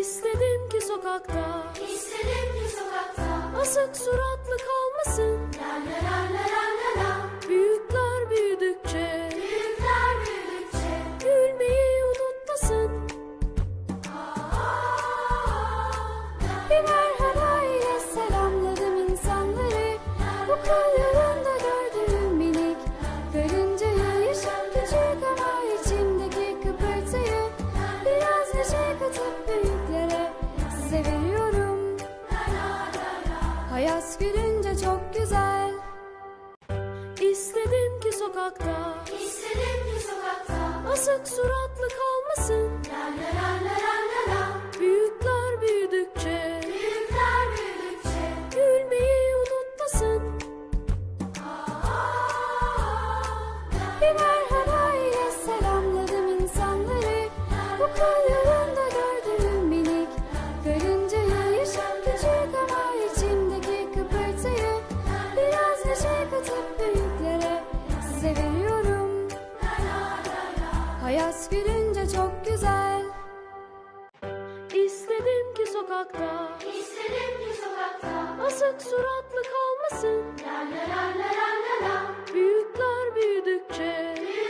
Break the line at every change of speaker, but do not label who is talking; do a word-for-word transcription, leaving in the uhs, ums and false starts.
İstedim ki sokakta,
İstedim ki sokakta
asık suratlı kalmasın.
La la la la la la la.
Büyükler büyüdükçe,
Büyükler büyüdükçe
gülmeyi unutmasın. Bir merhaba ile selamladım insanları. Bu kol yolunda gördüğüm minik karıncayı, yaşam küçük ama içimdeki kıpırtıyı biraz neşe katıp büyüklere size veriyorum. Hayat gülünce çok güzel. İstedim ki sokakta,
İstedim ki sokakta
asık suratlı kalmasın.
La la la la la la la.
Büyükler büyüdükçe,
Büyükler büyüdükçe
gülmeyi unutmasın. Bir merhaba ile selamladım insanları. Bu kol yolunda gördüğüm minik karıncayı, yaşam küçük ama içimdeki kıpırtıyı biraz neşe katıp büyüklere size veriyorum. Hayat gülünce çok güzel. İstedim ki sokakta,
İstedim ki sokakta
asık suratlı kalmasın.
La la la la la la la.
Büyükler büyüdükçe,
Büyükler